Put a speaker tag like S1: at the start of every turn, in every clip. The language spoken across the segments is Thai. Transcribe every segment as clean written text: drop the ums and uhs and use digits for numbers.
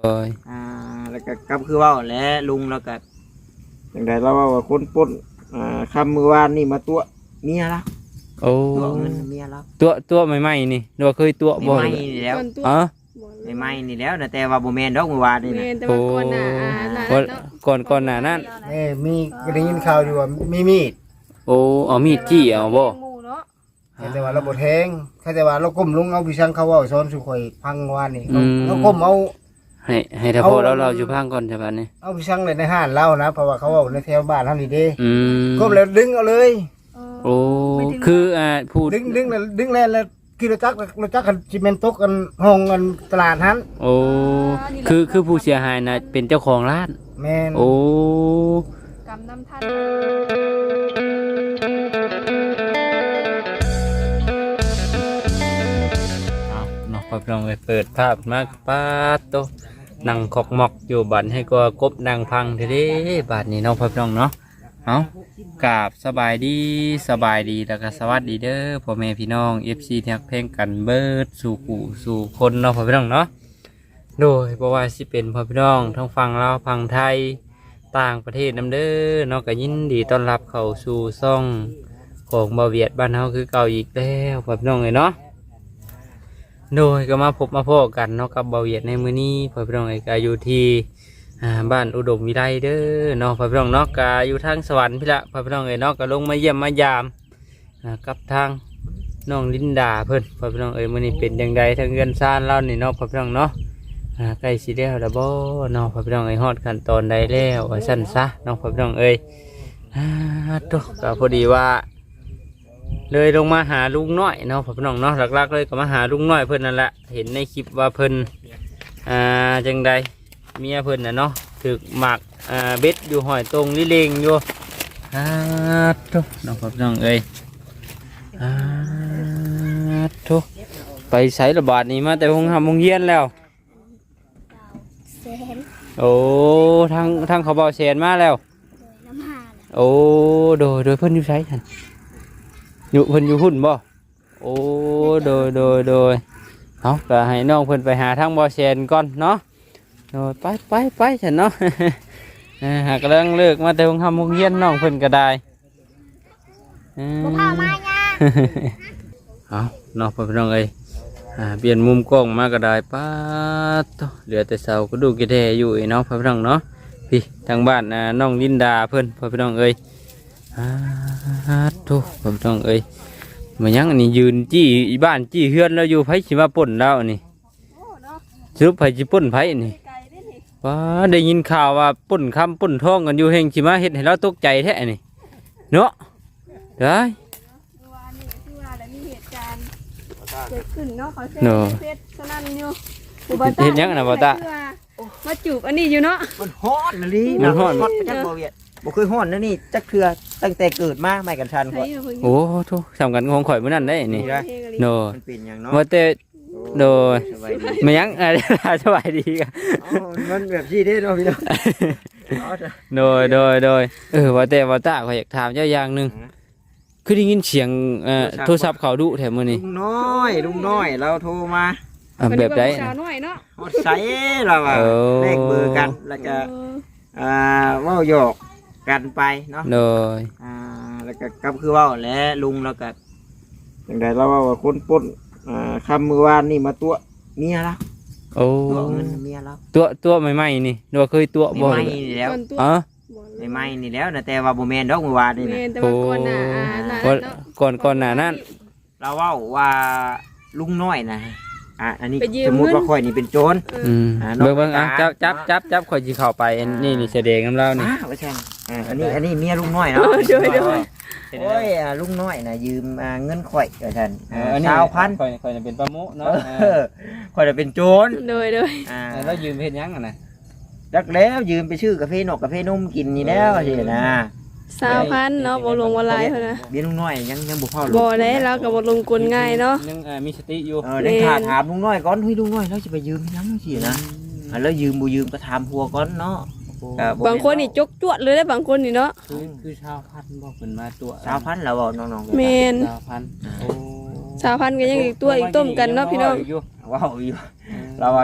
S1: ย
S2: แล้วก็กำคือว่าและลุงแล้วก็อย่างไรเราว่าคนปล้นคำมือวานนี่มาตัวเมียละ
S1: โอ้
S2: ตัวเงินเมียละ
S1: ตัวใหม่ๆนี่เราเคยตัวบ่
S2: ไม่นี่แล้ว
S1: อ๋อ
S2: ไม่นี่แล้วแต่ว่าโบแมนดอกมือวานนี่นะ
S1: โอ้ก่อนหน้านั้น
S3: มีได้ยินข่าวอยู่ว่ามีมีด
S1: โอ้เอามีดจี้เอาบ่
S3: แต่ว่าเราบ่แทงแค่แต่ว่าเราก้มลงเอาพี่ช่างเขาว่าซ้อนสุข่อยพังวานนี่เราก้มเอา
S1: ให้ถ้าพอเราอยู่พังก่อนใช่ป่ะนี่
S3: เอาพี่ช่างเลยในห้านเล่านะเพราะว่าเขาเอาในแถวบ้านเฮานี่เด้ก้มแล้วดึงเอาเลย
S1: โอ้คือพูด
S3: ดึงแล้วกิโลจักกันซีเมนต์ตกกันห้องกันตลาดนั้น
S1: โอ้คือผู้เสียหายน่ะเป็นเจ้าของร้าน
S3: แม่น
S1: โอ้
S4: กำน้ำทัน
S1: เนาะพี่น้องเปิดภาพมาป้าโตนั่งขอกหมอกอยู่บัดให้ก็กบนั่งพังเด้บาดนี้เนาะพี่น้องเนาะเอากราบสบายดีแล้วก็สวัสดีเด้อพ่อแม่พี่น้อง FC ที่รักเพลงกันเบิดสู่กูสู่คนเนาะพี่น้องเนาะโดยบ่ว่าสิเป็นพ่อพี่น้องทั้งฝั่งลาวฝั่งไทยต่างประเทศนำเด้อเนาะก็ยินดีต้อนรับเข้าสู่ช่องของบ่าวเวียดบ้านเฮาคือเก่าอีกแล้วพ่อพี่น้องเอ้ยเนาะโดยก็มาพบมาพบกันเนาะกับบ่าวเวียดในมื้อนี้พ่อพี่น้องเอ้ยก็อยู่ที่บ้านอุดมวิไลเด้อเนาะพ่อพี่น้องเนาะก็อยู่ทางสวรรค์พี่ละพ่อพี่น้องเอ้ยเนาะก็ลงมาเยี่ยมมายามกับทางน้องลินดาเพิ่นพ่อพี่น้องเอ้ยมื้อนี้เป็นจังไดทางเรือนซ่านเรานี่เนาะพ่อพี่น้องเนาะใกล้สิแล้วล่ะบ่เนาะพ่อพี่น้องเอ้ยฮอดขั้นตอนใดแล้วว่าซั่นซะเนาะพ่อพี่น้องเอ้ยก็พอดีว่าเลยลงมาหาลุงน้อยเนาะพ่อพี่น้องเนาะหลักๆเลยก็มาหาลุงน้อยเพิ่นนั่นแหละเห็นในคลิปว่าเพิ่นจังไดเมียเพิ่นน่ะเนาะถึกหมักเบ็ดอยู่หอยตรงลิเลงอยู่ทุกน้องพ่อพี่น้องเอ้ยทุกไปใช้ระบาดนี้มาแต่โรงเรียนแล้วโอ้ทางเขาเบาแสนมาแล้วโอ้โดยเพิ่นอยู่ใช้ท่านอยู่เพิ่นอยู่หุ่นบ่โอ้โดยเอาก็ให้น้องเพิ่นไปหาทางเบาแสนก่อนเนาะไปฉันเนาะหากกำลังเลิกมาแต่โรงเรียนน้องเพิ่นก็ได้เอาน้องพี่น้องเอ้ยเปลี่ยนมุมกล้องมาก็ได้ป้าต่อเหลือแต่เสาก็ดูกี่แท่อยู่ไอ้น้องพี่น้องเนาะพี่ทางบ้านน้องลินดาเพิ่นพี่น้องเอ้ยทุกพี่น้องเอ้ยมายังอันนี้ยืนจี้บ้านจี้เฮือนแล้วอยู่ไผสิมาป่นแล้วนี่สรุปไผสิป่นไผนี่ว้าได้ยินข่าวว่าป่นคำป่นทองกันอยู่เฮงสิมาเฮ็ดให้เราตกใจแท้นี่เนาะได้
S4: เกิดขึ้นเนาะเขาเฟซสนั่นอยู่
S1: เห็นยังนะบ่ตา
S4: มาจูบอันนี้อยู่เนาะ
S2: มันฮ้อนเลยมันฮ้อนจักบ่เวียดบ่เคยฮ้อนนะนี่จักเทื่อตั้งแต่เกิดมาไม่กันชันข่อย
S1: โอ้ทุกสำคัญของข่อยมื้อนั้นได้นี่โน
S2: มันเป็นหยังเนาะ
S1: ว่าแต่โดยมายังสบายดีกัน
S2: มันแบบที่ได้เนาะพี่น้อง
S1: โดยว่าแต่ว่าตาข่อยอยากถามเจ้าอย่างนึงคือได้ยินเสียงโทรศัพท์เขาดุแถมมื้อนี้
S2: ลุงน้อยเราโทรมา
S1: แบบใด
S2: ฮอดไสเราอ่ะเลขเบอร์กันแล้วก็เว้าหยอกกันไปเนาะ
S1: โดย
S2: แล้วก็กำคือเว้าและลุงแล้วก็อย่างไรเราว่าคนปล้นคำมือวานนี่มาตัวเมียละตัวเงินเมียละ
S1: ตัวใหม่ๆนี่เราเคยตัวบ่
S2: ไม่นี่แล้วไม่นี่แล้วนะแต่ว่าโบแมนดอกมือวานนี่นะ
S1: โอ้ก่อนหน้านั้น
S2: เราว่าลุงน้อยนะอันนี้สมมติว่าข่อยนี่เป็นโจร
S1: เบิ่งจับข่อยจีเข้าไปนี่แสดงน้ำเล่านี่
S2: ไม่ใช่อันนี้เมียลุงน้อยเนาะโอ้ยลุงน้อยนะยืมเงินข่อยกับฉัน1,000
S1: ข่อยจะเป็นประมุเนาะ
S2: ข่อยจะเป็นโจร
S4: โดย
S1: แล้วยืมเฮ็ดยังนะ
S2: จักแล้วยืมไปชื่อกาแฟนกกาแฟนุ่มกินนี่แล้วสินะ
S4: 20,000เนาะบ่ลงบ่ลายเท่านะ
S2: เบี้ยลุงน้อยยังบ่พอ
S4: บ่ได้แล้วก็บ่ลงกลง่ายเนาะ
S1: ยังมีสติอยู่
S2: ยังถามลุงน้อยก่อนเฮ้ยลุงน้อยแล้วจะไปยืมยังสินะแล้วยืมบ่ยืมก็ถามผัวก่อนเนาะ
S4: บางคนนี่จกจวดเลยได้บางคนนี่เนาะ
S1: คือ1,000บ่เพิ่นมาตัว
S2: 1,000แล้วบ่น้อง
S4: ๆแม่น
S1: 1,000โอ้
S4: 1,000ก็ยังอีกตัวอีกต้มกันเนาะพี่น้อง
S2: ว้าวอยู่เราว่า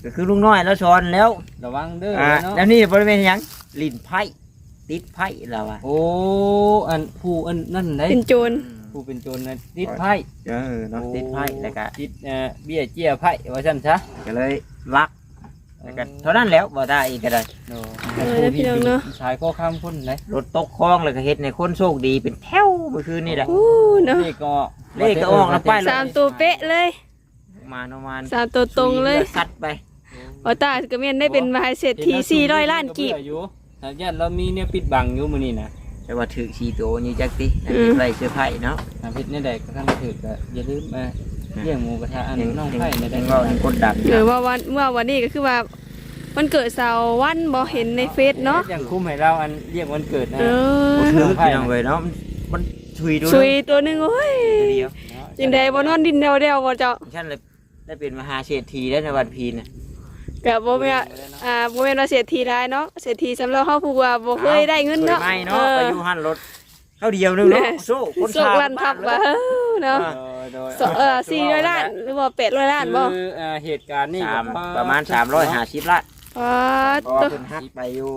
S2: ก็คือลุงน้อยแล้วสอนแล้ว
S1: ระวังเด้อ
S2: อ่า
S1: เนาะ
S2: แล้วนี่บริเวณหยังลิ้นไพ่ติดไพ่เราอะ
S1: โอ้อันผู้อันนั่นได้
S4: เป็นโจร
S1: ผู้เป็นโจรนะติดไพ่
S2: เนาะติดไพ่แล้วก็
S1: ติดเบี้ยเจี้ยไพ่ว่าซั่นซะ
S2: ก็เลยลักแล้วก็เท่านั้นแล้วบ่ได้อีกก็ได้
S1: โอ้
S4: แล้วพี่น้องเนาะ
S1: ชายข้อข้ามคนไหน
S2: รถตกคลองแล้วก็เฮ็ดในคนโชคดีเป็นแถวเมื่อคืนนี่แหละ
S4: โอ้เนาะ
S1: เลขก็
S2: เลขก็ออกแล้วไป
S4: สามตัวเป๊ะเลย
S2: ประมาณ
S4: สามตัวตรงเลย
S2: สัดไป
S4: บ่ตาก็แม่นได้เป็นมหาเศรษฐี400ล้านกีบ
S1: อยู่แต่ญาติเรามีเนี่ยปิดบังอยู่มื้อนี้นะ
S2: แต่ว่าถือชีโตนี่จักติ
S4: อืม
S2: ใส่เสื้อไผ่เนาะ
S1: ทำผิดในใดก็ทั้งถือก็อย่าลืมมาเลี้ยงหมูกระทะอันน้องไผ่ในใด
S2: ยังว่ายังกดดัน
S4: หรือว่าวันนี้ก็คือว่าวันเกิดสาววันบ่เห็นในเฟซเนาะ
S1: อย่างคุ้มให้เราอันเรียกวันเกิดนะ
S4: เออ
S2: ถือพี่น้องเว้ยเนาะมันชุยดู
S4: ซุยตัวหนึงโอ้ย
S2: เดียว
S4: จังไดบ่นอนดินเดียวๆบ่เจ้า
S2: ฉันเลยได้เป็นมหาเศรษฐีได้ในวันพีนน่ะ
S4: ก็บ่แม่นบ่แม่นว่าเศรษฐีได้เนาะเศรษฐีสำหรับเฮาผู้ว่าบ่เคยได้เงินเนาะ
S2: เคยไม่เนาะไปอยู่หันรถเข้าเดียวนึงเนาะโซ่คน
S4: โชคลั่นทับว่าเนาะ 400ล้านหรือว่า800ล้านบ่
S1: คือเหตุการณ์นี่
S2: ประมาณ350ล้าน
S4: อ๋อ
S2: พอ
S4: ตัว
S2: เพิ่นฮักไปอยู่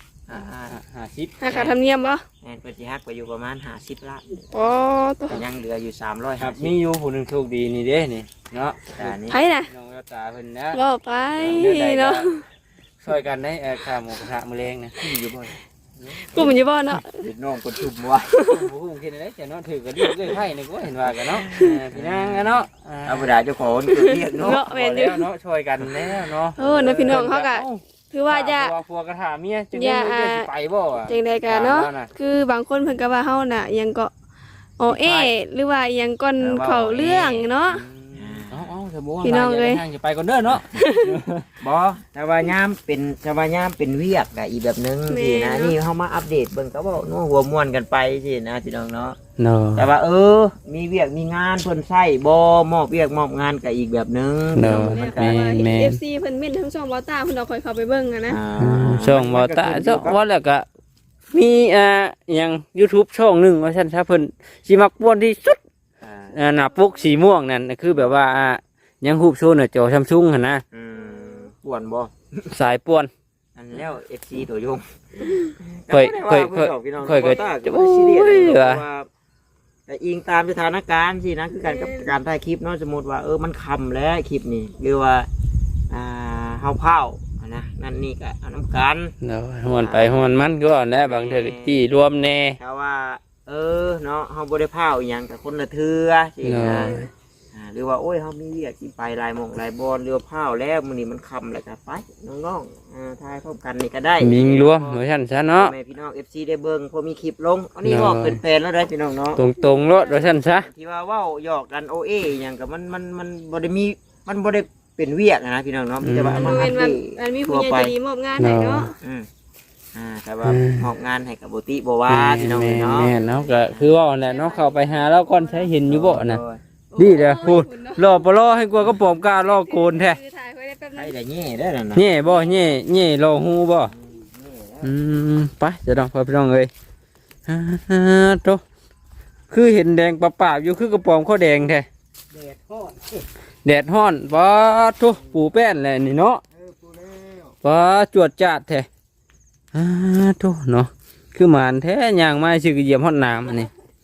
S1: 50
S4: หาค่าธรรมเนียมบ่
S2: แม่นเพิ่นสิฮักไปอยู่ประมาณ50ล้าน
S4: อ๋อตัว
S2: ก็ยังเหลืออยู่
S1: ครับ
S2: 350
S1: มีอยู่ผู้หนึงโชคดีนี่เด้นี่เนาะ
S2: แต่อันนี้
S4: ไผน่ะ
S1: น้องกระตาเพิ่นนะ
S4: บ่ไปเนาะ
S1: ช่วยกันได้ข้าวหมูกระทะมื้อแลงนะ
S2: อยู่บ่
S4: กูมันอยู่บ่เนาะ
S2: เด็กน้องคนชุมว่ะ
S1: โอ้โหคิดได้แต่เนาะถือก็เรียกเลยไผ่นี่ก็เห็นว่ากันเนาะพี่นางกันเนาะ
S2: เอาบ่ได้เจ้าของคือเรียกเนาะ
S4: เนาะแม่นอยู่
S1: เนาะช่วยกันแล้วเนาะ
S4: เออนะพี่น้องเขาก็ถือว่าจะ
S1: ผัวกระถาเมียจึง
S4: อย่า
S1: ไม่ได้ไปบ่อ่ะ
S4: จังใดกันเนาะคือบางคนเพิ่นก็ว่าเฮาน่ะอิหยังก็โอเอหรือว่าอิหยังก่อนเข้าเรื่องเนาะ
S1: เอาสมมุติ
S4: พี่น้องเอ้ย
S1: จะไปก่อนเด้อเนาะ
S2: บ่แต่ว่ายามเป็นเวียกก็อีกแบบนึงสินะนี่เฮามาอัปเดตเบิ่งก็เว้านัวหัวม่วนกันไปสินะพี่น้องเนาะ
S1: เนาะ
S2: แต่ว่ามีเวียกมีงานเพิ่นใช้บ่มอบเวียกมอบงานก็อีกแบบนึง
S1: เนาะ
S2: มันก็
S1: แม่
S4: FC เพิ่นเม่นทั้งช่องบ่ตาเพิ่นเอาค่อยเข้าไปเบิ่งอะนะ
S1: ช่องบ่ตาเจ้าว่าแล้วก็มีอย่าง YouTube ช่องหนึงว่าซั่นซะเพิ่นสิมักป่วนที่สุดหน้าปกสีม่วงนั่นคือแบบว่ายังรูปโชว์หน้าจอ Samsung หั่นนะ
S2: ป่วนบ่
S1: สายป่วน
S2: อันแล้ว FC ตัวยง
S1: ค่อยก็
S2: โอ้ย
S1: เหรอ
S2: แต่อิงตามสถานการณ์สินะคือการกับการถ่ายคลิปเนาะสมมุติว่ามันค่ำแล้วคลิปนี้หรือว่าเฮาเผานะนั่นนี่ก็เอาน้ำกัน
S1: เนาะฮวนไปฮวนมันก็แน่บางเทื่อก็จี้รวมแน่
S2: ถ้าว่าเนาะเฮาบ่ได้เผาอีหยังกับคนละเทื่อสิ
S1: เนา
S2: นะ
S1: ะ
S2: หรือว่าโอ้ยเฮามีเวียกสิไปหลายหม่องหลายบอนเรือเผาแล้วมื้อนี้มันค่ำแล้วก็ไปน้องๆถ่ายพร้อมกันนี่ก็ได้
S1: มิงรวมเหมือนฉันซะเนาะ
S2: แม่พี่น้อง FC ได้เบิ่งพอมีคลิปลงอันนี้บอกเป็นแฟนแล้วได้พี่น้องเนาะ
S1: ตรงๆรถเหมือนฉันซะ
S2: ที่ว่าเว้าหยอกกันโอเออหยังกับมันบ่ได้มีมันบ่ได้เป็นเวียกนะพี่น้องเนาะมีแต่ว่าเอา
S4: มั
S2: มาน อั
S4: เป็นว่า
S2: ปเดต
S4: มันมีผู้ใหญ่ใจดีมอบงานให้เนาะ
S2: อืมแต่ว่าออกงานให้กับโบติบ่ว่าพี่น้องเนาะ
S1: แม่เนาะก็คือว่าแหละเนาะเข้าไปหาแล้วก่อนใช้เห็นอยู่บ่น่ะดีเด้อพูดรอบ่รอให้กลัวก็ปอมกล้ารอโกนแท้
S4: คือถ่ายไว้ได้แป๊บนึ
S2: ใครง ได้แง่ได้นั่นน่ะ
S1: แย่บ่แย่รอฮู้บ่ไปจะต้องพาพี่น้องเอ้ยโตคือเห็นแดงปะๆอยู่คือกระป๋อมข้าวแดงแท้
S3: แดดฮ้อน
S1: แดดฮ้อนปะโตปูแป้นแหละนี่เนาะ
S3: ปูแล้ว
S1: ปะจวดจาดแท้โตเนาะคือหมานแท้ย่างมาชื่อเยี่ยมฮอดน้ำอันนี้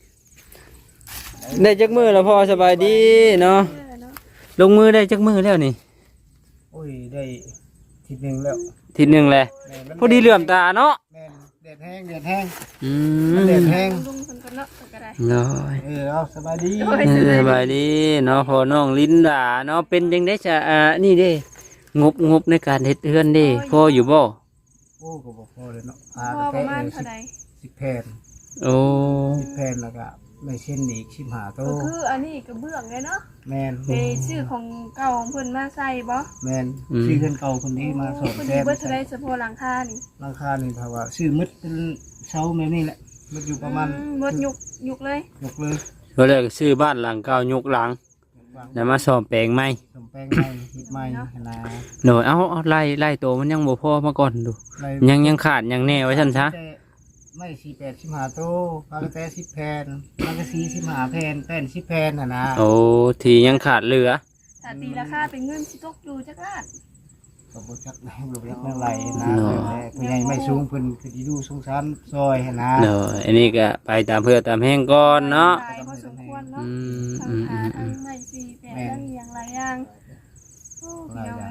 S1: ได้จักมือแล้วพอสบายดีเนาะลงมือได้จักมือแล้วนี่
S3: โอ้ยได้ทีนึงแล้ว
S1: ทีหนึงแหละ
S3: แม่น
S1: พอดีเหลื่อมตาเนาะ
S3: แม่นแดดแห้ง
S1: อื
S3: มันแดดแห้ง
S4: ลุงเพิ่นก็เนาะก็ได้
S1: เนาะ
S3: เอาสบายดี
S1: สบายดีเนาะพอน้องลินดาเนาะเป็นจังได๋จะนี่เด้งบในการเฮ็ดเฮือนเด้พออยู่บ่
S3: โอ้ก็บอกพอเลยเนาะ
S4: พอประมาณเท่าใด
S3: 10 แผ่น
S1: โอ้
S3: 10 แผ่นแล้วก็ไม่เช่นอีก15โต
S4: ก็คืออันนี้กระเบื้องเลยเนาะ
S3: แม่น
S4: ไปชื่อของเก่าของเพิ่นมาใส่บ่
S3: แม่นชื่อเงินเก่าคนนี้มาสอน
S4: เพิ่น
S3: แซ
S4: สิ
S3: ม
S4: เบิดเท่าใดเฉพาะหลังคานี่
S3: ราคานี่ถ้าว่าชื่อมืดเป็นเช้าแม่นี่แหละมันอยู่ประมาณ
S4: หมดยุกเลย
S3: ยกเลย
S1: ก็เลยซื้อบ้านหลังเก่ายกหลังแล้วมาซ่อมแปลงใหม่
S3: สมแป้งใหม่ฮิตใหม่นะ
S1: โดยเอาไล่โตมันยังบ่พอมาก่อนดูยังขาดยังแน่ไว้ซั่นซะ
S3: ไม่48 15โตปลากระแต10แผ่นปลากระสี15แผ่นแป้น10แผ่นน่ะนะ
S1: โอ้ที่ยังขาดเหลือ
S4: ถ้าตีราคาเป็นเงินสิตกอยู่จักล้าน
S3: ก็บ่จักได้บ่จักแนวไรนะแต่ผู้ใหญ่ไม่สูงเพิ่นคือสิดูสงสารซอยให้นะ
S1: เนาะอันนี้ก็ไปตามเพื่อตามแห้งก่อนเนาะ
S4: หลายพอสมควรเนาะ
S1: อืม
S4: ทั้
S1: อื
S4: ง
S1: ม
S4: หา
S1: อืม
S4: ทั้งไม้สีแต่ทั้งอย่างหลายอย่างโอ้เดี๋ยวเลย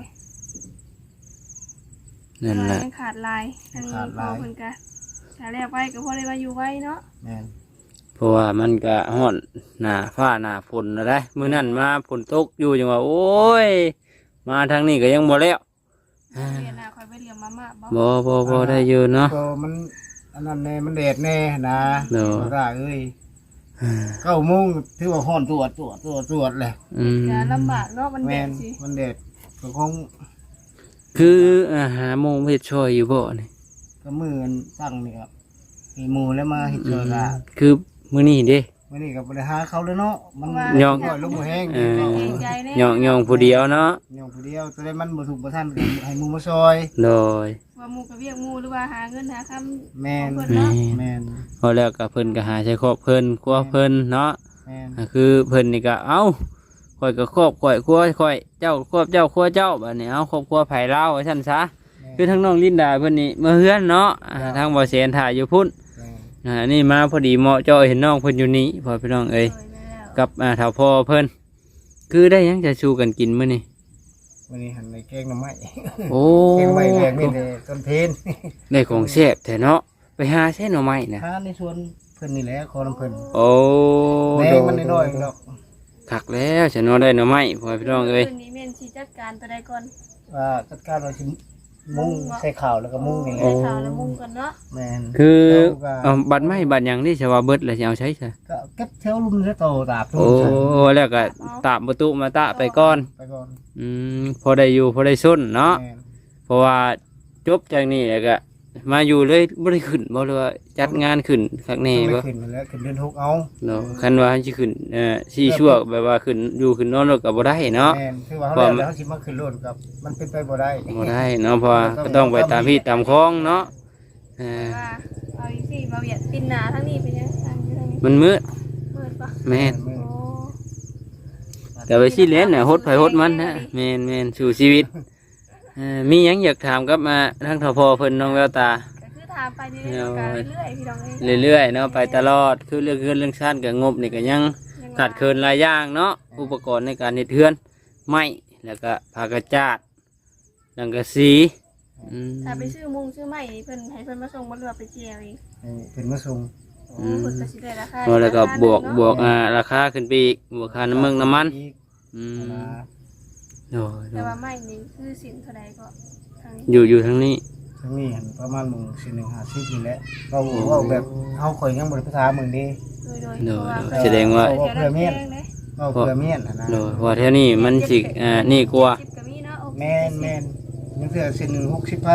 S1: นั่นแหละ
S4: ยังขาดลายทางนี้พอเพิ่นก็ถ้าแลกไว้ก็พอได้ว่าอยู่ไว้เนาะ
S3: แม่น
S1: เพราะว่ามันก็ฮ้อนหน้าฟ้าหน้าฝนนะได้มื้อนั้นมาฝนตกอยู่จังว่าโอ้ยมาทางนี้ก็ยังบ่แล้ว
S4: เรียนน่ะค่อยไปเรียนมาม่าบ่
S1: บ่ได้อยู่เนาะ
S3: ก็มันอันนั้นแน่มันแดดแน่นะ
S1: เนาะ
S3: บ่ได้เอ้ย9 โมงถือว่าฮ้อนตรวจแหละ
S1: อืม
S4: จะลำบากเนาะมันแด
S3: แม่น
S4: ดสิ
S3: มันแดดก็คง
S1: คืออาหารโมงเฮ็ดช่วยอยู่บ่นี่
S3: ก็มือมันตั้งนี่ครับมีหมู่แล้วมาเฮ็ดเจอละ
S1: คือมื้อนี้เด้
S3: มื้อนี้ก็บ่ได้หาเขาเลยเนาะมัน
S1: ย่อง
S3: น้อยลงบ่แห้ง
S1: เออ
S4: เกรงใจแน่
S1: ย่องผู้เดียวเนาะ
S3: ย่องผู้เดียวตัวใดมันบ่ถูกบ่ทันก็ให้หมู่มาซอย
S1: โดย
S4: ว่าหมู่ก็เรียกหมู่หรือว่าหาเงินหาคำ
S3: แม่น
S4: เพิ่นเนาะ
S3: แม่น
S1: พอแล้วก็เพิ่นก็หาใช้ครอบเพิ่นครัวเพิ่นเนาะ
S3: แม่น
S1: ก็คือเพิ่นนี่ก็เอ้าข่อยก็ครอบข่อยครัวข่อยเจ้าครอบเจ้าครัวเจ้าบัดนี้เอาครอบครัวไผลาวว่าซั่นซะคือทั้งน้องลินดาเพิ่นนี่มาเฮือนเนาะทางบ่แสนถ่ายอยู่พุ่น
S3: แม่น
S1: นี่มาพอดีเหมาะเจ้าเห็นน้องเพิ่นอยู่นี่พอพี่น้องเอ้ย
S4: โดยแล้ว
S1: กับเฒ่าพ่อเพิ่นคือได้หยังจะชูกันกินมื้อนี้
S3: วันนี้หันไปแกงหน่อไม้
S1: โอ้
S3: แกงหน่อไม้แรงนี่เลยต้นเพน
S1: ได้ของแซ่บแท้เนาะไปหาใช้หน่อไม้นะ
S3: หาในสวนเพิ่นนี่แหละขอน้ำเพิ่น
S1: โอ้
S3: แดงมันน้อยๆดอก
S1: คักแล้วฉันว่าได้หน่อไม้พอพี่น้องเอ้ย
S4: คืนนี้แม่นสิจัดการตัวใดก่อน
S3: ว่าจัดการว่าสิมุ้งใส่ข้าวแล้วก็มุ้งนี่แห
S4: ใส่
S3: ละ
S4: ข่าวแล้วมุ่งกันเนาะ
S3: แม่น
S1: คือ
S3: แล้วก็
S1: เอาบัตรไม้บัตรหยังนี่จะว่าเบิดแล้วสิเอาใช้ซะ
S3: ก็เก็บแถวลุมแล้วโตตาบ
S1: โอ้แล้วก็ตามประตูมาตะไปก่อน
S3: ไปก่อน
S1: พอได้อยู่พอได้ส้นเนาะ
S3: แม่น
S1: เพราะว่าจบจากนี้แล้วก็มาอยู่เลยบ่ได้ขึ้นบ่เลยว่าจัดงานขึ้นครั้งนี้
S3: ไม่
S1: บ่
S3: ขึ้นแล้วขึ้นเดือน6เอา
S1: เนาะคันว่าสิขึ้นสี่ชั่วแบบว่าขึ้นอยู่ขึ้นนอนแล้วก็บ่ได้เนาะ
S3: แม่นคือว่าเขาแล้วเขาสิมาขึ้นรถกับ มันเป็นไปบ่ได้
S1: บ่ได้เนาะเพราะว่าก็ต้องไปตามพี่ตามคลองเนาะเออ
S4: ว่าเอาอีกสิบ่าเวียดปินหนาทั้งนี้เป็นยังทางนี้ทางนี้
S1: มันมืด
S4: มืดปะ
S1: แม่น
S3: แม่น
S4: โอ้
S1: แต่ไปสิเล่นน่ะฮดไผฮดมันนะแม่นสู่ชีวิตมีหยังอยากถามกับมาทางทพเพิ่นน้องแววตา
S4: ก็คือถามไปเรื่อยๆการเรื่อยๆพี่น้องเอ้ย
S1: เรื่อยๆเนาะไปตลอดคือเรื่องเงินเรื่องชาติกับงบนี่ก็ยังขาดเคินหลายอย่างเนาะอุปกรณ์ในการเฮ็ดเฮือนไม้แล้วก็ผ้ากระจาดสังกะสีอืม
S4: ถ้าไปซื้อมุงซื้อไม้นี่เพิ่นให้เพิ่นมาส่งบ่หรือว่าไปเจียวเอง
S3: เป็นมาส่ง
S4: โอ้เพิ่นก็สิได้ราคา
S1: แล้วก็บวก
S4: เนาะ
S1: บวกราคาขึ้นไปอีกบวกค่าน้ำมันน้ำมัน
S3: อีก
S1: อืม
S3: นะ
S1: โอ้ย
S4: แต่ว่าไม้นี่คือสินเท่าใดก็ทางนี้
S1: อยู่ทางนี้
S3: ทั้งนี้เห็นประมาณมึง150นี่แหละเราว่าแบบเฮาข่อยยังบ่ได้ไปถามมึงเดิ
S4: โดยเพราะว่า
S1: แสดงว่า
S4: เดี๋ยวเราแจ้งเด้
S3: เราเพื่อเมียนนะ
S1: โดยเพราะว่าแถวนี้มันสินี่กว่า
S4: 10ก็มีเนาะโอเค
S3: แม่นแม่นยังเพื่อเส้นหนึ่ง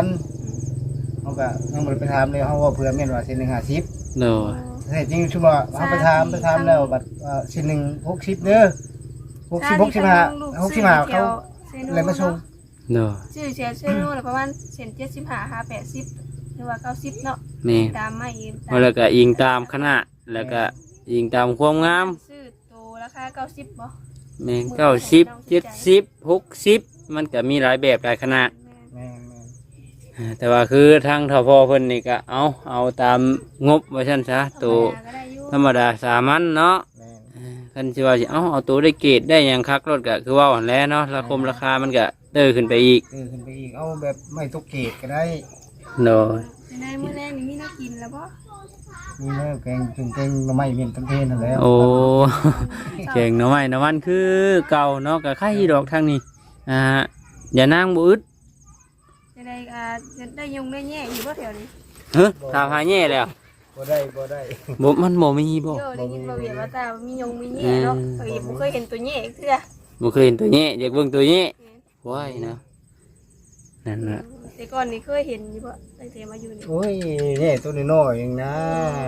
S3: 60,000เขาก็ยังบ่ได้ไปถามเลยเขาว่าเพื่อเมียนว่าเส้นหนึ่ง50
S1: โดย
S3: แต่จริงชุบว่าเขาไปถามแล้วบัดเส้นหนึ่ง60เด้อ65เขาเลยมาส่ง
S1: โดย
S4: ชื่อเสียเซโน่น่ะประมาณเส้น75 80หรือว่า90เนาะ
S1: แม่
S4: ตามไม้เอง
S1: แล้วก็อิงตามขนาดแล้วก็อิงตามความงาม
S4: ซื้อตัวราคา90บ่
S1: แม่90 70 60มันก็มีหลายแบบหลายขนาด
S3: แม่น
S1: แต่ว่าคือทางทพเพิ่นนี่ก็เอาตามงบว่าซั่นซะตัวธรรมดาสามัญเนาะ
S3: แม่น
S1: คันสิว่าสิเอาตัวได้เกรดได้หยังคักรถก็คือว่าหั่นแหล้วเนาะราคามันก็เด้อขึ้นไปอีก
S3: ขึ้นไปอีกเอาแบบไม่ตกเกตก็ได้
S1: โดย
S4: ในมื้อแรกนี่มีน่ากินแล้วบ่
S3: มีแม่แกงมาไม่เมียนตั้งเพนนั่นแหละ
S1: โอ้ เก่งหน่อไม้หน่อมันคือเก่าเนาะก็ไข่ดอกทางนี้อย่านางบ่อึด
S4: จะได้จะได้ยงได้แย่อยู่บ่แถวนี้
S1: เฮ้ถามหาแย่แล้ว
S3: บ่ได้
S1: มันบ่มีบ่
S4: โยได้ยินบ่เวียนว่าตามียงมีแย่เนาะเคยบ่เคยเห็นตัวแย่อีกเทื่อ
S1: บ่เคยเห็นตัวแย่อยากเบิ่งตัวแย่ว้ายนะนั่นน่ะ
S4: แต่ก่อนนี่เคยเห็นอยู่บ่ตั้งแต่มาอยู่นี่
S3: โอ้ยนี่ตัวน้อยๆเองนะ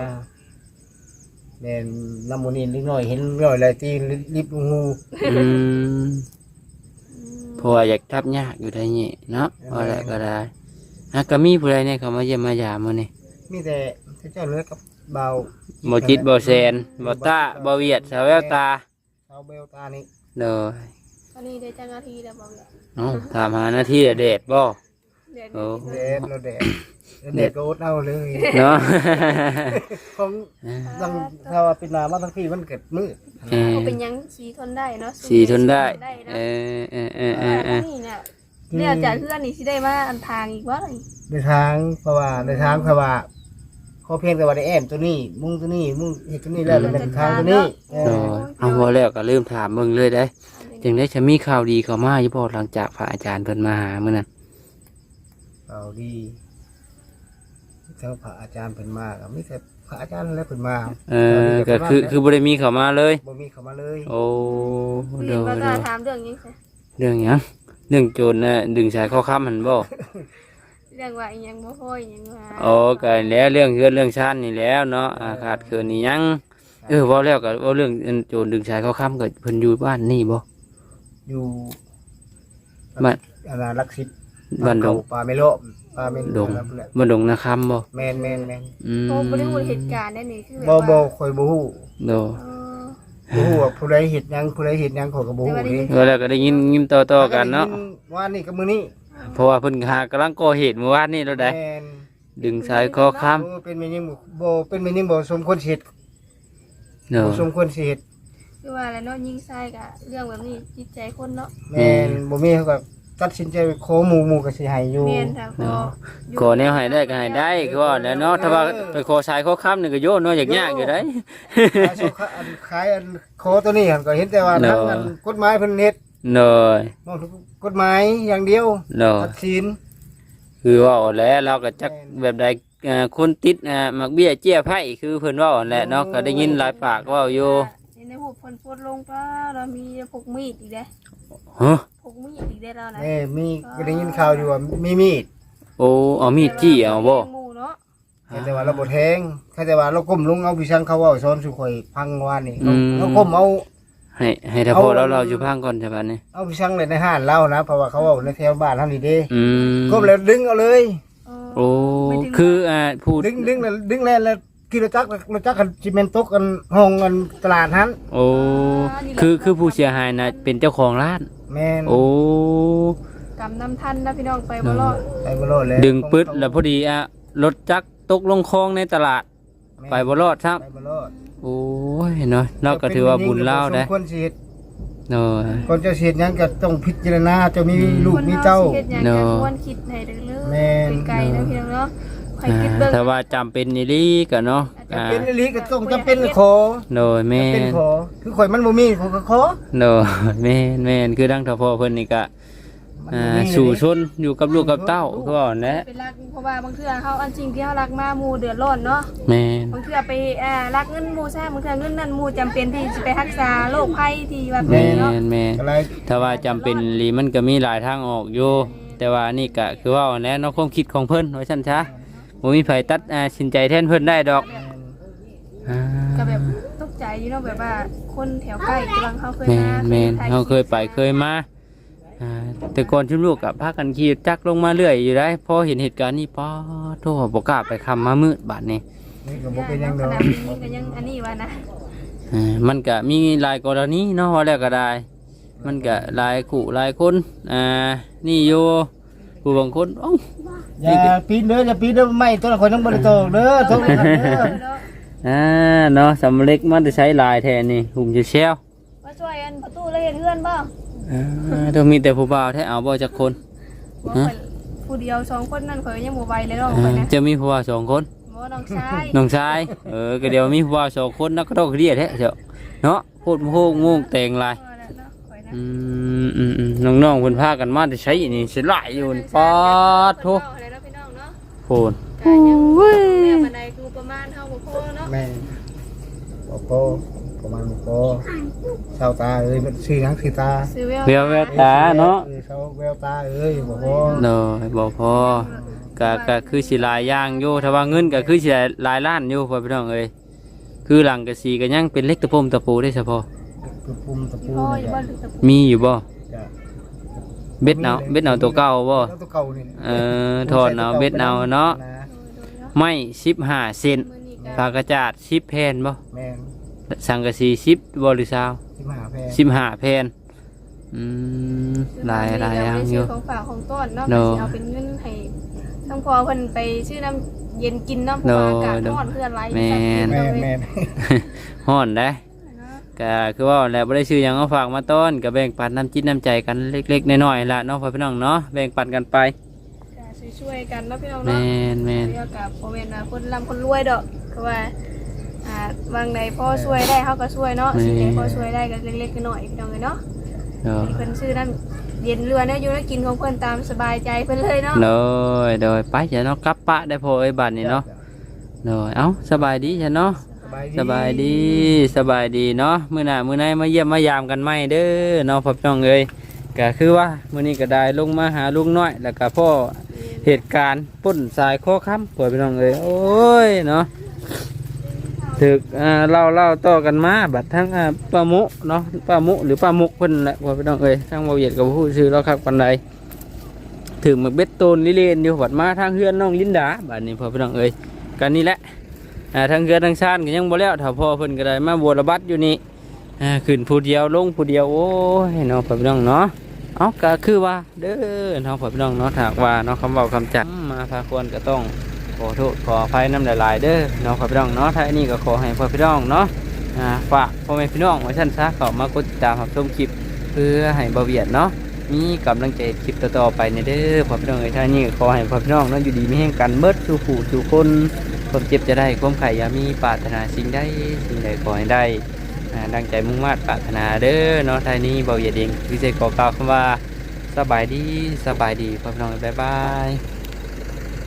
S3: แม่นน้ำมันนี่นิดหน่อยเห็นน้อยเลยตีลิบหู
S1: อืมเพราะว่าอยากทับยากอยู่ได้นี่เนาะว่าอะไรก็ได้ก็มีผู้ใดเนี่ยเขามาเยี่ยมมายามมื้อนี้
S3: มีแต่เจ้าเลือกับเบา
S1: บ่จิตบ่แซนบ่ตาบ่เวียดสาวแววตา
S3: เบาเบลตานี่
S1: เด้อ
S4: ตอนนี้ได้เจ้าหน้าที่แล้วบ่เวียน
S1: เนาะถามหาหน้าที่เดดบ่
S4: เดี๋ยว
S1: โอ้
S3: แดดเราแดดแดดก็อดเอาเลย
S1: เนาะ
S3: ของต้องถ้าว่าเป็นมาทั้งพี่มันเกิดมืด
S4: เขาเป็นหยังสีทนได้เนาะ
S1: สีทนได้
S4: เนาะ นี่เนี่ยเนี่ยจากเพื่อนนี่สิได้มาอันทางอีกว่าอะไร
S3: ในทางเพราะว่าในทางเพราะว่าเขาเพียงแต่ว่าได้แอมตัวนี้มุ้งตัวนี้มุ้งเห็ดตัวนี้แล้วเป็นทางตัวนี้
S1: โดยเอาพอแล้วก็เริ่มถามเบิ่งเลยได้จึงได้จะมีข่าวดีเข้ามาอยู่บ่หลังจากพระอาจารย์เพิ่นมาหามื้อนั้น
S3: เอาดีเจ้าพระอาจารย์เพิ่นมาก็ไม่ใช่พระอาจารย์แล้วเพิ่นมา
S1: ก็คือบ่ได้มีเข้ามาเลย
S3: บ่มีเข้ามาเลย
S1: โอ้
S4: เดี๋
S1: เดี๋
S4: ย
S1: ยว ว
S4: ก็ถามเรื่องนี้ใช่
S1: เรื่องหยังเรื่องโจรน่ะดึงสายข้อค้ำหั่นบ่
S4: เรื่องว่าอีหยังบ่ค่อยอีหยังว่า
S1: โอ้ก็แล้วเรื่องเฮือนเรื่องชาตินี่แล้วเนาะขาดเขินนี่ยังเว้าแล้วก็เว้าเรื่องโจรดึงสายข้อค้ำก็เพิ่นอยู่บ้านนี่บ่
S3: อยู่
S1: บ้าน
S3: อาณารักษิต
S1: บ้านดง
S3: ป่าเมโลป่าเมโล
S1: ดงบ้านดงนาคำบ่
S3: แม่นแม่นแม่น
S1: อืม
S4: โอ้บ่ได้รู้เหตุการณ์ได้นี่คือแบบ
S3: บ่
S4: ว่า
S3: คอยบ่ฮู้
S1: โด
S4: เออ
S3: บ่ฮู้ว่าผู้ใดเฮ็ดหยังผู้ใดเฮ็ดหยังขอยก็บ่ฮู้เด้
S1: เว้าแล้วก็ได้ยินยิ้มต่อๆกันเนาะ
S3: ว่านี่กับมื้อนี้
S1: เพราะว่าเพิ่นหากำลังก่อเหตุเมื่อวานนี้แล้วได้
S3: แม่น
S1: ดึงสายข้อค้ำ
S3: เป็นแม่นยังบ่เป็นแม่นยังบ่สมควรสิเฮ็ด
S1: เนาะ
S3: บ่สมควรสิเฮ็ด
S4: คือว่าแล้วเนาะยิงใส่กะเรื่องแบบนี้จิตใจคนเนาะ
S3: แม่นบ่มีเขาก็ตัดสินใจขอหมู่ก็สิให้อยู่
S4: เมียนค่ะก็
S1: ขอแนวให้ได้ก็ให้ได้คือว่าแล้วเนาะถ้าว่าไปขอสายข้อค้ำนี่ก็โยนเนาะยากๆอยู่ได้
S3: ขายโซคะอันขายอันขอตัวนี้หั่นก็เห็นแต่ว่า
S1: เนอะ
S3: ทางอันกฎหมายเพิ่นเฮ็ด
S1: เนาะ
S3: มองถึงกฎหมายอย่างเดียว
S1: เนาะ
S3: ตัดสิน
S1: คือว่าเอาแหล้วเราก็จักแบบใดคนติดมักเบี้ยเจี้ยไผ่คือเพิ่นเว้านั่นแหละเนาะก็ได้ยินหลายปากเว้าอยู่
S4: ในหูเพิ่นโพสต์ลงก็เรามีพกมีดอีกเด้
S1: ฮะ
S4: พกมีดอีกเด้แล้วนะ
S3: มีก็ได้ยินข่าวอยู่ว่ามีมีด
S1: โอ้เอามีดจี้เอาบ่
S4: หมู่เนาะ
S3: แต่ว่าเราบ่แทงแต่ว่าเราก้มลงเอาพี่ช่างเขาเว้าสอนสู่ข่อยพังว่านี่
S1: อืม
S3: เราก้มเอา
S1: ให้ถ้าพอเราอยู่พังก่อนใช่ป่ะนี่
S3: เอาพี่ช่างเลยในห้านเล่านะเพราะว่าเขาเว้าในแถวบ้านเฮานี่เด้
S1: อืม
S3: ก้มแล้วดึงเอาเลย
S1: โอ้คือผู้
S3: ดึงแล้วกิโลจักรกันซีเมนต์ตกกันห้องกันตลาดนั้น
S1: โอ้คือผู้เสียหายน่ะเป็นเจ้าของร้าน
S3: แม่น
S1: โอ้
S4: กำน้ำทันนะพี่น้องไปบ่รอด
S3: ไปบ่รอดแล้ว
S1: ดึงปึ๊ดแล้วพอดีรถจักรตกลงคลองในตลาด
S3: แม่น
S1: ไปบ่รอดครับ
S3: ไปบ่รอด
S1: โอ้ยเนาะเราก็ถือว่าบุญเล่าได้
S3: สมควรสิเฮ็ด
S1: เนาะ
S3: ก่อนจะเสียหยังก็ต้องพิจารณาจะมีลูกมีเต้า
S4: คนเฮาสิเฮ็ดหยัง
S1: เน
S4: ก็
S1: อะ
S4: ควรคิดให้เด้อ
S3: แม่น
S4: ไกลๆนะพี่น้องเนาะใครคิดเบิ่ง
S1: ถ้าว่าจำเป็นนี่ลีก็เนาะ
S3: จำเป็นอีหลีก็ต้องจำเป็นขอ
S1: โดยแม่
S3: จำเป็น
S1: น
S3: ขอคือข่อยมันบ่มีขอยก็ขอ
S1: โดยแม่นคือดังทพอเพิ่นนี่ก็
S3: มันบ่มี
S1: สู่ชนอยู่กับลูกกับเต้าคือว่าแหละ
S4: เป็นรักเพราะว่าบางเทื่อเฮาอันจริงที่เฮารักมาหมู่เดือดร้อนเนาะ
S1: แม่น
S4: บางเทื่อไปรักเงินหมู่แท้บางเทื่อเงินนั้นหมู่จำเป็นที่สิไปรักษาโรคภัยที่ว่าเป็
S1: แม่
S4: นเนาะ
S1: นแม่น
S3: อะไร
S1: ถ้าว่าจำเป็นอีหลีมันก็มีหลายทางออกอยู่แต่ว่านี่ก็คือว่าแหละเนาะความคิดของเพิ่นว่าซั่นซะบ่มีไผตัดสินใจแทนเพิ่นได้ดอกอ่า
S4: ก็แบบตกใจอยู่เนาะแบบว่าคนแถวใกล้กำลังเขาเคย
S1: แม่
S4: มาน
S1: แม่น
S4: ถ่ย
S1: เฮาเคยไปเคยมาแต่ก่อนชุมลูกกับพากันขี่จักรลงมาเรื่อยอยู่ได้พอเห็นเหตุการณ์นี้ป้าโทษบ่กล้าไปคำมามืดบาดนี้
S3: นี่ก็บ่เป็นหยัง
S4: ข
S3: ดอก
S4: นาดนี้ก็ยังอันนี้ว่านะ
S1: มันก็มีหลายกรณีเนาะว่าแล้วก็ได้ มันก็หลายคู่หลายคนนี่อยู่ผู้บางคนเอ้า
S3: อย่าปีนเด้ออย่าปีนเด้อไม่ตัวละคนต้องบ่ได้โตเด้อโตกันเด้อ
S1: เนาะสำเร็จมันจะใช้หลายแทนนี่หุ่มจะเชล
S4: มาช่วยอันประตูเลยเห็นเพื่อนบ่
S1: ต้องมีแต่ผู้บ่าวแท้เอาบ่จักคน
S4: บ่ข่อยผู้เดียวสองคนนั่นข่อยยังบ่ไหวเลยเนาะข่อยนะ
S1: จะมีผู้บ่าวสองคน
S4: บ่น้องชาย
S1: น้องชายก็เดี๋ยวมีผู้บ่าวสองคนนักก็ต้องเครียดแท้เจ้าเนาะโคตรโหงงแต่งลาย
S4: ข่อยนะ
S1: น้องๆเพิ่นพากันมาจะใช้นี่สิหลายอยู่นี่ปาดโท
S4: อะไรเนาะพี่น้องเนาะ
S1: โพน
S4: ก็ยังแม่ปานใดคือประมาณเฮาบ่พอเนาะ
S3: แม่บ่โตประมาณบ่โตเศร้าตาเอ้ยมันชื่อหยังคือตา
S4: ซื้อ
S1: เวียวแววตาเนาะ
S3: เศร้าแววตาเอ้ยบ่พอ
S1: เนาะบ่พอก็คือสิหลายอย่างอยู่ถ้าว่าเงินก็คือสิหลายล้านอยู่พ่อพี่น้องเอ้ยคือหลังกะสีก็ยังเป็นเล็กตะปมตะปูได้เฉพาะ
S3: คือปุ่มตะปู
S4: พ่อ
S3: นี่
S4: อยู่
S3: แห
S4: บ้า
S3: ละ
S4: นหรือตะปู
S1: มีอยู่บ่
S3: จ้ะ
S1: เบ็ดเอาตัวเก่าบ่
S3: แล้วตัวเก่านี่
S1: ถอดเอาเบ็ดเอาเนาะไม่15เซน
S4: มื้อนี้ก็
S1: ปากกระจาด10แผ่นบ่
S3: แม่น
S1: สังกะสี10บ่หรือ20
S3: 15แพร
S1: 15แผ่นอืมหลายอย่าง
S4: อ
S1: อยู่
S4: ของฝากของต้นเนาะ
S1: เนาะ
S4: ก็สิเอาเป็นเงินให้ทั้งพอเพิ่นไปซื้อน้ำเย็นกินเนาะเพราะว่าอากาศร้อนเพื่อนไร
S1: แม่น
S3: แม่นแม่น
S1: ฮ้อนได้ก็คือว่าแล้วบ่ได้ชื่อหยังเอาฝากมาต้อนก็แบ่งปันน้ำจิตน้ำใจกันเล็กๆน้อยๆล่ะเนาะพ่อพี่น้องเนาะแบ่งปันกันไป
S4: ก็ช่วยๆกันเนาะพี่น้อง
S1: แม่
S4: เนาะ
S1: นแม่น
S4: เรียกกับบ่แม่นว่าคนร่ำคนรวยดอกก็ว่าบางใดพ่อช่วยได้เฮาก็ช่วยเนาะสิ่งใดพ่อช่วยได้ก็เล็กๆน้อยๆพี่น้องเอ้ยเนาะ
S1: เนาะ
S4: ให้เพิ่นซื้อน้ำเย็นเรือเนี่ยอยู่ได้กินของเพิ่นตามสบายใจเพิ่นเลยเนาะ
S1: โดยไปจ้ะเนาะกลับปะได้พอไอ้บัดนี้เนาะโดยเอ้าสบายดีจ้ะเนาะสบายดีเนาะมื้อหน้ามื้อไหนมาเยี่ยมมายามกันใหม่เด้อเนาะพ่อพี่น้องเอ้ยก็คือว่ามื้อนี้ก็ได้ลงมาหาลุงน้อยแล้วก็พ่อเหตุการณ์ปล้นสายข้อค้ำพ่อพี่น้องเอ้ยโอ้ยเนาะถึกเล่าต่อกันมาบัดทั้งป้ามุเนาะป้ามุหรือป้ามุกเพิ่นแหละพ่อพี่น้องเอ้ยทั้งเบาเหยียดกับผู้ชื่อแล้วครับปานใดถึงมาเบ็ดโตนลิเลนอยู่บัดมาทางเฮือนน้องลินดาบัดนี้พ่อพี่น้องเอ้ยกันนี่แหละทางเฮือนทางชาติก็ยังบ่แล้วถ้าพ่อเพิ่นก็ได้มาบวชระบัดอยู่นี่ขึ้นผู้เดียวลงผู้เดียวโอ้ยเนาะพ่อพี่น้องเนาะเอาก็คือว่าเด้อเนาะพ่อพี่น้องเนาะถากว่าเนาะคำเว้าคำจัดมาพาควรก็ต้องขอโทษขออภัยน้ำหลายๆเด้อเนาะพ่อพี่น้องเนาะถ้าอันนี้ก็ขอให้พ่อพี่น้องเนาะฝากพ่อแม่พี่น้องไว้ชั้นซะเข้ามากดติดตามรับชมคลิปเพื่อให้บ่เวียดเนาะมีกำลังใจคลิปต่อๆไปในเด้อพ่อพี่น้องเอ้ยถ้าอันนี้ก็ขอให้พ่อพี่น้องเนาะอยู่ดีมีแห่งกันเบิดสู่ผู้สู่คนความเจ็บจะได้ความไข่อย่ามีปรารถนาสิ่งใดขอให้ได้ดังใจมุ่งมั่นปรารถนาเด้อเนาะท่านี้เบาเหยียดเองวิเศษขอกล่าวคำว่าสบายดีพ่อพี่น้องบ๊ายบาย